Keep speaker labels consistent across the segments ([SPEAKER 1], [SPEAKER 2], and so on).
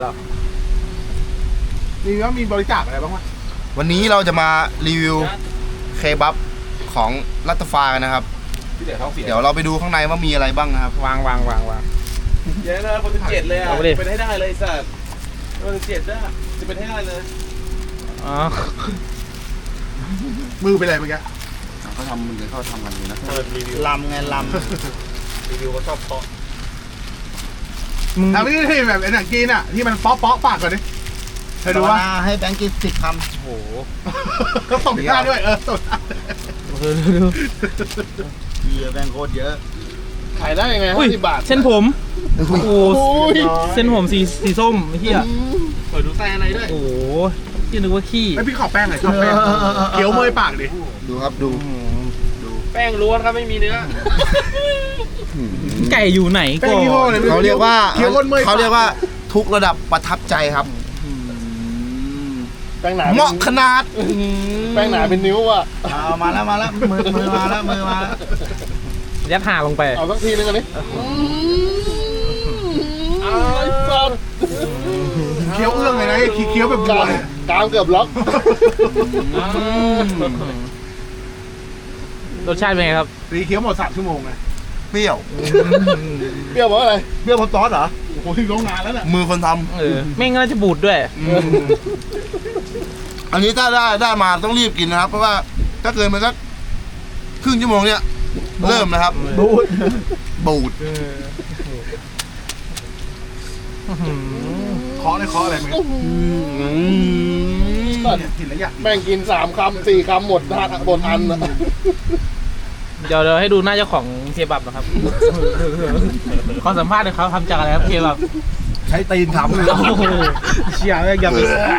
[SPEAKER 1] มีว่ามีบริจาคอะไรบ้างวะ
[SPEAKER 2] วันนี้เราจะมารีวิวเคบับของรัตฟากันนะครับ
[SPEAKER 3] พี่เดี๋ยวท้องเสีย
[SPEAKER 2] เดี๋ยวเราไปดูข้างในว่ามีอะไรบ้างนะครับ
[SPEAKER 4] วาง
[SPEAKER 3] เยอะนะคน17เลยอ่ะ
[SPEAKER 4] เอาไปดิ
[SPEAKER 3] เป็นให้ได้เลยสัตว์คน17ได้จะเป็นให้ได้เลย
[SPEAKER 4] อ๋อ
[SPEAKER 1] มือไปเลยเมื่อกี้
[SPEAKER 2] เขาทำมันเลยเขาทำกันเลยนะ
[SPEAKER 3] เปิดรีวิว
[SPEAKER 2] ลำไงล
[SPEAKER 3] รีวิวก็ชอบเพาะ
[SPEAKER 4] มึง
[SPEAKER 1] ทำนี่ที่แบบไอ้หนังจีนอ่ะที่มันป๊อกปากก่อนดิเคยดูว่า
[SPEAKER 2] ให้แบงค์กิน10 คำ
[SPEAKER 4] โอ้โห
[SPEAKER 1] ก็ส่งหน้าด้วยส่งหน้า
[SPEAKER 4] ดู
[SPEAKER 2] เยอะแบงค์โคตรเยอะ
[SPEAKER 3] ขายได้ยังไง
[SPEAKER 4] อุ้ย
[SPEAKER 3] 50 บาท
[SPEAKER 4] เส้นผม โอ้โหเส้นผมสีส้มไอ้เหี้ย
[SPEAKER 3] เปิดดูไส้อะไรด้วย
[SPEAKER 4] โอ้โหที่นึกว่าขี้
[SPEAKER 1] ไอพี่ขอแป้งหน่อยชอบแป้งเคี้ยวเมยปากดิ
[SPEAKER 2] ดูครับดู
[SPEAKER 3] แป้งล้วนครับไม่มีเนื้อ
[SPEAKER 4] ไก่อยู่ไหน
[SPEAKER 1] แป้
[SPEAKER 4] ก่
[SPEAKER 1] ง
[SPEAKER 4] อน
[SPEAKER 1] ยี่ห้ออะไรไม่
[SPEAKER 2] เขาเรียกว่า
[SPEAKER 1] เคี้ยวก้นเมย
[SPEAKER 2] เขาเรียกว่าทุกระดับประทับใจครับ
[SPEAKER 3] แป้งหนา
[SPEAKER 2] เหมาะขนาด
[SPEAKER 3] แป้งหนาเป็นนิ้วอ่ะ
[SPEAKER 2] เอามาแล้วมือมาแล้วมือมาแล้ว
[SPEAKER 4] ยัดห่าลงไป
[SPEAKER 3] เอาสักทีนึงกันดิอ้าวสัตว์
[SPEAKER 1] เคี้ยวเอื้องเลยนะเคี้ยวแบบบัวเลย
[SPEAKER 3] กามเกือบล็อก
[SPEAKER 4] รสชาติเป็นไงครับ
[SPEAKER 1] ตีเคี้ยวหมด3 ชั่วโมงเลย
[SPEAKER 2] เปรี้ยว
[SPEAKER 3] เปรี้ยวเพราะอะไร
[SPEAKER 2] เปรี้ยวเพราะซอสเหรอ
[SPEAKER 1] โอ้โหที่โรงงานแล้วน่ะ
[SPEAKER 2] มือคนท
[SPEAKER 4] แม่งน่าจะบูดด้วย
[SPEAKER 2] ำอันนี้ถ้าได้มาต้องรีบกินนะครับ เพราะว่าถ้าเกินไปสักครึ่งชั่วโมงเนี่ยเริ่มนะครับบูด
[SPEAKER 1] เคาะอะไรมึง
[SPEAKER 3] สัตว์
[SPEAKER 1] เนี่ยกินแล้วอยาก
[SPEAKER 3] แม่งกิน3 คำ 4 คำหมดทานหมดอันอะ
[SPEAKER 4] เดี๋ยวให้ดูหน้าเจ้าของเคบับนะครับ ขอสัมภาษณ์หน่อยครับทำจากอะไรครับเคบับ
[SPEAKER 2] ใช้ตีนทำ
[SPEAKER 4] โอ้โหเชี่ยแม่งอย่าไป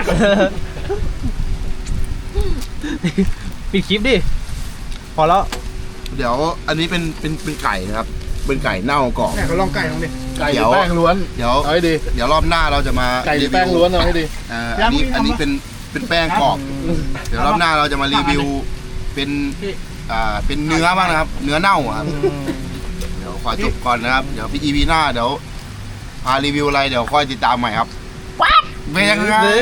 [SPEAKER 4] ปิดคลิปดิ พอแล้ว
[SPEAKER 2] เดี๋ยวอันนี้เป็นไก่นะครับ เป็นไก่เน่ากรอบ
[SPEAKER 1] เนี่ยเขาลองไก่ลองดิ
[SPEAKER 3] ไก่หรือแป้งล้วน
[SPEAKER 2] เดี๋ยว
[SPEAKER 3] เอาให้ดี
[SPEAKER 2] เดี๋ยวรอบหน้าเราจะมา
[SPEAKER 3] ไก่หรือแป้งล้วนเอาให้ดี
[SPEAKER 2] อันนี้เป็นแป้งกรอบ เดี๋ยวรอบหน้าเราจะมารีวิวเป็นเนื้อบ้างนะครับ เนื้อเน่าอะครับ เดี๋ยวขอจบก่อนนะครับ เดี๋ยวพี่ EP หน้าเดี๋ยวพารีวิวอะไรเดี๋ยวค่อยติดตามใหม่ครับเป็นยังไง